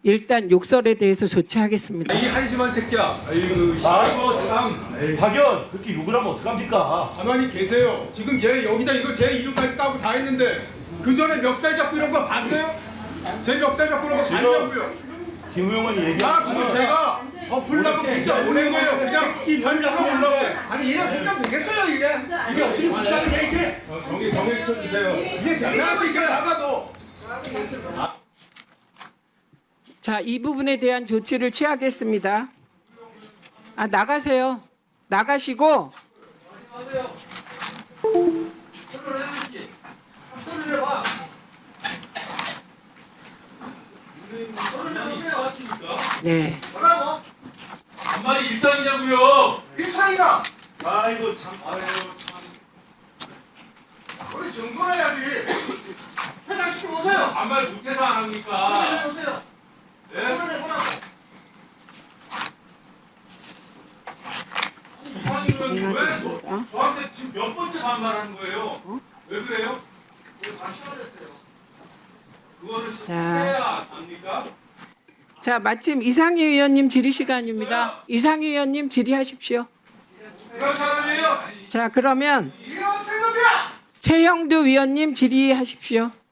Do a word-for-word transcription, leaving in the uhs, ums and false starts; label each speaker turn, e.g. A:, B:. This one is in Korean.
A: 일단 욕설에 대해서 조치하겠습니다.
B: 이 한심한 새끼야. 아이고,
C: 아이고
B: 참. 에이,
C: 박연 그렇게 욕을 하면 어떡합니까?
B: 가만히 계세요. 지금 얘 여기다 이거 제 이름까지 까고 다 했는데 그 전에 멱살 잡고 이런 거 봤어요? 제 멱살 잡고 이런 거
C: 지금
B: 봤냐고요?
C: 김 의원이
B: 아,
C: 얘기하는
B: 그거 제가 더 풀라고 문자 보낸 거예요. 그냥 편집으로 보려고.
D: 아니 얘네 국감 되겠어요 이게?
C: 이게 어떻게 국감이냐 이게?
B: 어, 정리 정리시켜 주세요.
D: 이게 되겠냐고 이게?
B: 나가도.
A: 자, 이 부분에 대한 조치를 취하겠습니다. 아, 나가세요. 나가시고 네.
D: 뭐라고?
B: 정말 일상이냐고요?
D: 일상이다.
C: 아이고 참 아유 참.
D: 우리 정돈해야지. 회장시켜 오세요.
B: 아무 말 못해서 안 합니까?
D: 회장시켜 오세요.
B: 예?
D: 정돈해보라고.
B: 이상이면 왜 저, 저한테 지금 몇 번째 반말하는 거예요? 왜 그래요?
D: 다 시원했어요.
B: 그거를
A: 자.
B: 해야 합니까?
A: 자, 마침 이상희 의원님 질의 시간입니다. 이상희 의원님 질의하십시오.
B: 그런 사람이에요?
A: 자, 그러면
D: 이런 생각이야.
A: 최형두 위원님 질의하십시오.